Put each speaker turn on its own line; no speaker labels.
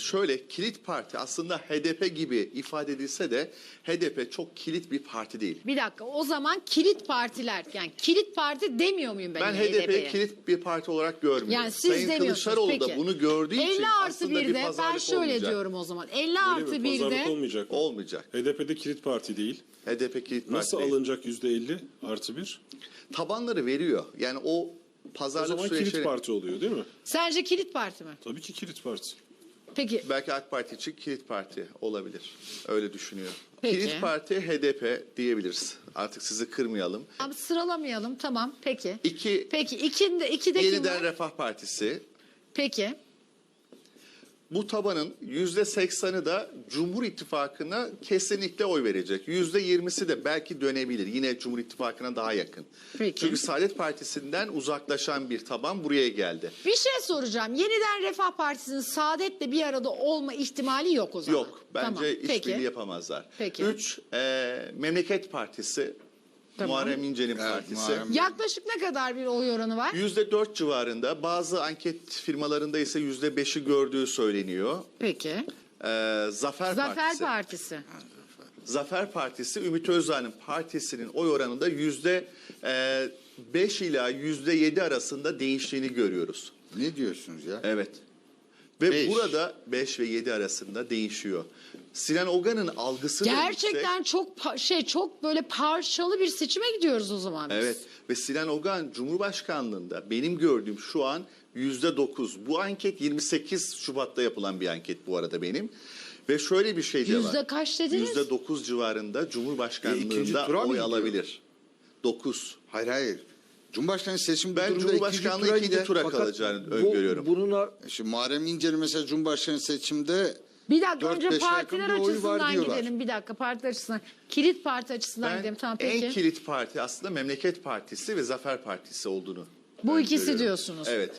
şöyle kilit parti aslında HDP gibi ifade edilse de HDP çok kilit bir parti değil.
Bir dakika, o zaman kilit partiler, yani kilit parti demiyor muyum ben
Ben
yine
HDP'yi
HDP'ye?
kilit bir parti olarak görmüyorum.
Yani siz
Sayın
demiyorsunuz.
Kılıçdaroğlu
Peki.
da bunu gördüğü için
50 artı
aslında bir
1'de ben
pazarlık
şöyle
olmayacak.
diyorum o zaman. 50
Öyle
artı
mi? Pazarlık
1'de
olmayacak mı?
Olmayacak.
HDP'de kilit parti değil.
HDP kilit parti
Nasıl
değil.
alınacak %50 artı 1?
Tabanları veriyor. Yani o
O
pazarlık
zaman kilit
süreçleri
parti oluyor değil mi?
sence kilit parti mi?
Tabii ki kilit parti.
Peki
belki AK Parti için kilit parti olabilir. Öyle düşünüyor.
Peki.
Kilit parti HDP diyebiliriz. Artık sizi kırmayalım.
abi sıralamayalım, tamam, peki.
İki,
Peki ikide kim
Yeniden
var?
Refah Partisi.
Peki.
Bu tabanın %80'ı da Cumhur İttifakı'na kesinlikle oy verecek. %20'si de belki dönebilir. Yine Cumhur İttifakı'na daha yakın.
Peki.
Çünkü Saadet Partisi'nden uzaklaşan bir taban buraya geldi.
Bir şey soracağım. Yeniden Refah Partisi'nin Saadet'le bir arada olma ihtimali yok o zaman.
Yok. Bence
Tamam,
işbirliği
peki.
yapamazlar.
Peki.
3. Memleket Partisi.
Tamam.
Muharrem İnce'nin
Evet,
partisi.
Muharrem.
Yaklaşık ne kadar bir oy oranı var?
%4 civarında. Bazı anket firmalarında ise %5'i gördüğü söyleniyor.
Peki.
Zafer
Zafer
Partisi.
Partisi.
Zafer Partisi, Ümit Özdağ'ın partisinin oy oranında %5 ila %7 arasında değiştiğini görüyoruz.
Ne diyorsunuz ya?
Evet. Ve
Beş.
burada 5 ve 7 arasında değişiyor. Sinan Ogan'ın algısı da
Gerçekten
yüksek.
çok böyle parçalı bir seçime gidiyoruz o zaman biz.
Evet. Ve Sinan Ogan Cumhurbaşkanlığında benim gördüğüm şu an %9. Bu anket 28 Şubat'ta yapılan bir anket bu arada benim. Ve şöyle bir şey de var.
Yüzde kaç dediniz?
%9 civarında
İkinci
Cumhurbaşkanlığında
tura mı
oy
gidiyor?
alabilir. 9.
Hayır. Cumhurbaşkanı seçimi bu
Ben
durumda
Cumhurbaşkanlığı
tura
ikinci
gider.
tura
Fakat
kalacağını öngörüyorum.
Şimdi Muharrem İnce'nin mesela Cumhurbaşkanı seçimde
Bir dakika
4-5'e
önce
yakın
partiler
bir oyu var
açısından
diyorlar.
gidelim. Bir dakika partiler açısından. Kilit parti açısından gidelim. Tamam peki.
en kilit parti aslında Memleket Partisi ve Zafer Partisi olduğunu
Bu ikisi
öngörüyorum.
diyorsunuz.
Evet.